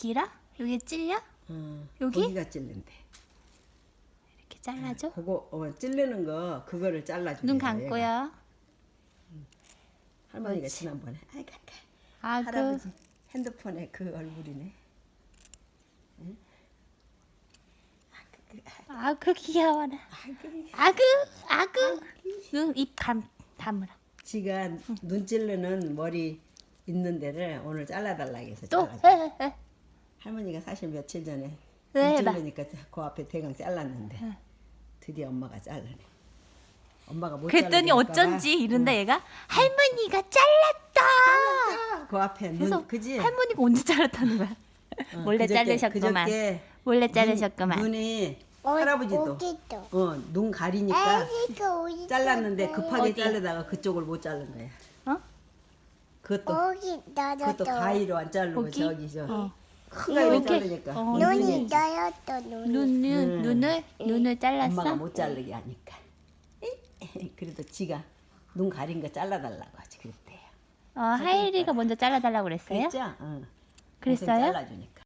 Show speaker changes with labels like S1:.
S1: 길어? 여기 찔려? 여기?
S2: 거기가 찔린데.
S1: 이렇게 잘라줘?
S2: 그거 찔르는 거 그거를 잘라줘.
S1: 눈 감고요.
S2: 할머니가
S1: 그렇지.
S2: 지난번에 아이고
S1: 아그
S2: 할아버지 핸드폰에 그 얼굴이네.
S1: 아그 귀여워라. 아그 눈 입 다물어.
S2: 지가 눈 찔르는 머리 있는 데를 오늘 잘라달라 해서
S1: 또
S2: 잘라줘.
S1: 해.
S2: 할머니가 사실 며칠 전에
S1: 왜
S2: 눈
S1: 해봐.
S2: 찔르니까 그 앞에 대강 잘랐는데 드디어 엄마가 잘라네. 엄마가 못
S1: 그랬더니
S2: 자르니까
S1: 어쩐지 이런다 얘가 할머니가 잘랐다.
S2: 그 앞에
S1: 그래서
S2: 눈 그지?
S1: 할머니가 언제 잘랐다는 거야? 몰래 자르셨구만.
S2: 그저께
S1: 몰래 자르셨구만.
S2: 눈이 할아버지도 눈 가리니까 잘랐는데 급하게
S1: 어디?
S2: 자르다가 그쪽을 못 자른 거야.
S1: 어?
S2: 그것도 가위로 안 자르고
S1: 거기?
S2: 저기 저
S1: 어.
S2: 큰 가위로
S1: 이렇게?
S2: 자르니까
S1: 어.
S2: 눈이
S1: 눈을 잘랐어?
S2: 엄마가 못 자르게 하니까 그래도 지가 눈 가린 거 잘라달라고 하지 그랬대요.
S1: 하일이가 먼저 잘라달라고 그랬어요?
S2: 그랬죠? 응.
S1: 그랬어요?
S2: 동생 잘라주니까.